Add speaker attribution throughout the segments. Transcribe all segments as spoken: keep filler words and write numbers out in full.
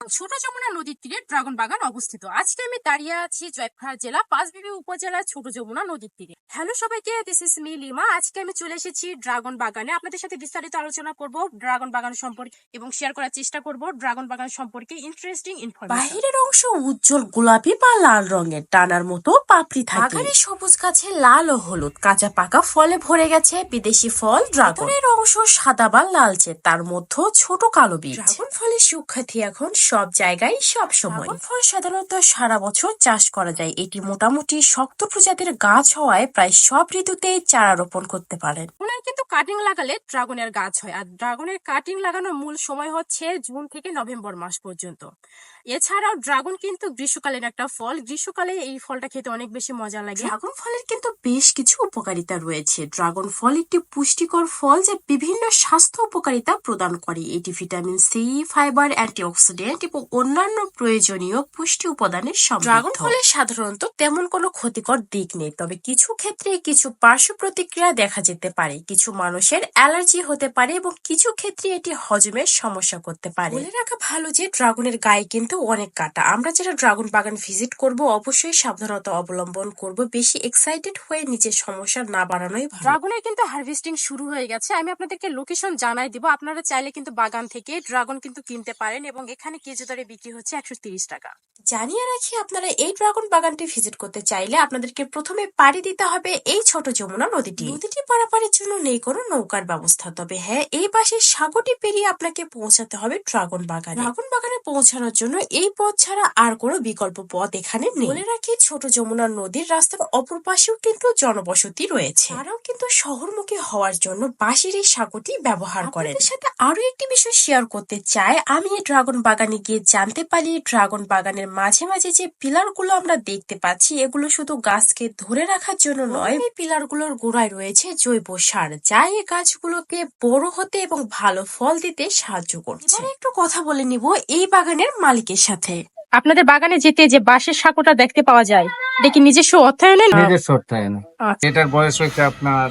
Speaker 1: ছোট যমুনা নদীর তীরে ড্রাগন বাগান অবস্থিত। আজকে আমি দাঁড়িয়ে আছি জয়পুরহাট জেলা পাঁচবিবি উপজেলার ছোট যমুনা নদীর তীরে। হ্যালো সবাইকে, দিস ইজ মি লিমা। আজকে আমি চলে এসেছি ড্রাগন বাগানে। আপনাদের সাথে বিস্তারিত আলোচনা করব ড্রাগন বাগান সম্পর্কে এবং শেয়ার করার চেষ্টা করব ড্রাগন বাগান সম্পর্কে ইন্টারেস্টিং ইনফরমেশন।
Speaker 2: বাহিরের অংশ উজ্জ্বল গোলাপি বা লাল রঙের, টানার মতো পাপড়ি থাকে। বাগানের সবুজ গাছে লাল ও হলুদ কাঁচা পাকা ফলে ভরে গেছে। বিদেশি ফল ড্রাগনের অংশ সাদা বা লালচে, তার মধ্যে ছোট কালো বীজ। ড্রাগন ফলের সুখ্যাতি এখন সব জায়গায় সব সময়। ড্রাগন ফল সাধারণত সারা বছর চাষ করা যায়। এটি মোটামুটি শক্ত প্রজাতির গাছ হওয়ায় প্রায় সব ঋতুতেই চারা রোপণ করতে পারেন।
Speaker 1: ওনার কিন্তু কাটিং লাগালে ড্রাগনের গাছ হয়, আর ড্রাগনের কাটিং লাগানোর মূল সময় হচ্ছে জুন থেকে নভেম্বর মাস পর্যন্ত। এছাড়াও ড্রাগন কিন্তু গ্রীষ্মকালীন একটা ফল। গ্রীষ্মকালে এই ফলটা খেতে অনেক বেশি মজা লাগে।
Speaker 2: ড্রাগন ফলের কিন্তু বেশ কিছু উপকারিতা রয়েছে। ড্রাগন ফল একটি পুষ্টিকর ফল যা বিভিন্ন স্বাস্থ্য উপকারিতা প্রদান করে। এটি ভিটামিন সি, ফাইবার, অ্যান্টিঅক্সিডেন্ট এবং অন্যান্য প্রয়োজনীয় পুষ্টি উপাদানের সমৃদ্ধ। ড্রাগন ফলের সাধারণত তেমন কোনো ক্ষতিকর দিক নেই, তবে কিছু ক্ষেত্রে কিছু পার্শ্ব প্রতিক্রিয়া দেখা যেতে পারে। কিছু মানুষের অ্যালার্জি হতে পারে এবং কিছু ক্ষেত্রে এটি হজমের সমস্যা করতে পারে। বলে রাখা ভালো যে ড্রাগনের গায়ে কিন্তু অনেক কাটা। আমরা যারা ড্রাগন বাগান ভিজিট করব অবশ্যই সাবধানতা অবলম্বন করব। বেশি এক্সাইটেড হয়ে নিজের সমস্যা না বাড়ানোই ভালো।
Speaker 1: ড্রাগনের কিন্তু হারভেস্টিং শুরু হয়ে গেছে। আমি আপনাদেরকে লোকেশন জানাই দিব। আপনারা চাইলে কিন্তু বাগান থেকে ড্রাগন কিন্তু কিনতে পারেন এবং এখানে কেজি দরে বিক্রি হচ্ছে একশো তিরিশ টাকা।
Speaker 2: জানিয়ে রাখি, আপনারা এই ড্রাগন বাগানটি ভিজিট করতে চাইলে আপনাদেরকে প্রথমে পাড়ি দিতে হবে এই ছোট যমুনা নদীটি। নদীটি পারাপারের জন্য নেই কোনো নৌকার ব্যবস্থা, তবে হ্যাঁ, এই পাশে সাগরটি পেরিয়ে আপনাকে পৌঁছাতে হবে ড্রাগন বাগানে। ড্রাগন বাগানে পৌঁছানোর জন্য এই পথ ছাড়া আর কোনো বিকল্প পথ এখানে নেই। বলে রাখি, ছোট যমুনা নদীর রাস্তার অপর পাশেও কিন্তু জনবসতি রয়েছে। তারাও কিন্তু শহরমুখী হওয়ার জন্য বাঁশের এই সাগরটি ব্যবহার করেন। আপনাদের সাথে আরো একটি বিষয় শেয়ার করতে চাই। আমি এই ড্রাগন বাগানে গিয়ে জানতে পারি ড্রাগন বাগানের মাঝে মাঝে যে পিলার গুলো আমরা দেখতে পাচ্ছি, এগুলো শুধু গাছকে ধরে রাখার জন্য নয়, এই পিলার গুলোর গোড়ায় রয়েছে জৈব সার, যা এই গাছগুলোকে বড় হতে এবং ভালো ফল দিতে সাহায্য করছে। এবার একটু কথা বলে নিব এই বাগানের মালিকের সাথে।
Speaker 1: আপনাদের বাগানে যেতে যে বাঁশের সাঁকোটা দেখতে পাওয়া যায়, এটা কি নিজস্ব অর্থায়নে?
Speaker 3: নিজস্ব অর্থায়নে।
Speaker 1: আচ্ছা।
Speaker 3: এটার বয়স হয়েছে আপনার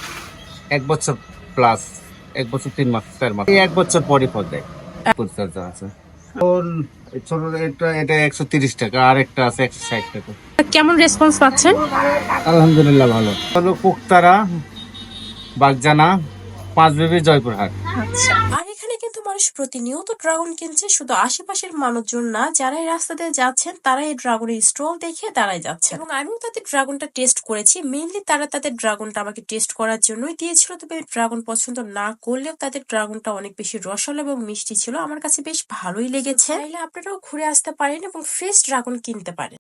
Speaker 3: এক বছর প্লাস, এক বছর তিন মাস চার মাস, এই এক বছর পরই ফল দেয়। পরিচর্যা আছে। এখন এই ছোট এটা এটা একশো তিরিশ টাকা, আর একটা আছে একশো ষাট টাকা।
Speaker 1: কেমন রেসপন্স পাচ্ছেন?
Speaker 3: আলহামদুলিল্লাহ ভালো। হলো কুকতারা, বাগজানা, পাঁচবিবি, জয়পুরহাট।
Speaker 1: আচ্ছা।
Speaker 2: আর এখানে কিন্তু মানুষ প্রতিনিয়ত ড্রাগন কিনছে। শুধু আশেপাশের মানুষজন না, যারা এই রাস্তা দিয়ে যাচ্ছেন তারা এই ড্রাগনের স্টল দেখে দাঁড়ায় যাচ্ছে। এবং আমিও তাদের ড্রাগনটা টেস্ট করেছি। মেইনলি তারা তাদের ড্রাগনটা আমাকে টেস্ট করার জন্যই দিয়েছিল। তবে ড্রাগন পছন্দ না করলেও তাদের ড্রাগনটা অনেক বেশি রসালো এবং মিষ্টি ছিল। আমার কাছে বেশ ভালোই লেগেছে। চাইলে আপনারাও ঘুরে আসতে পারেন এবং ফ্রেশ ড্রাগন কিনতে পারেন।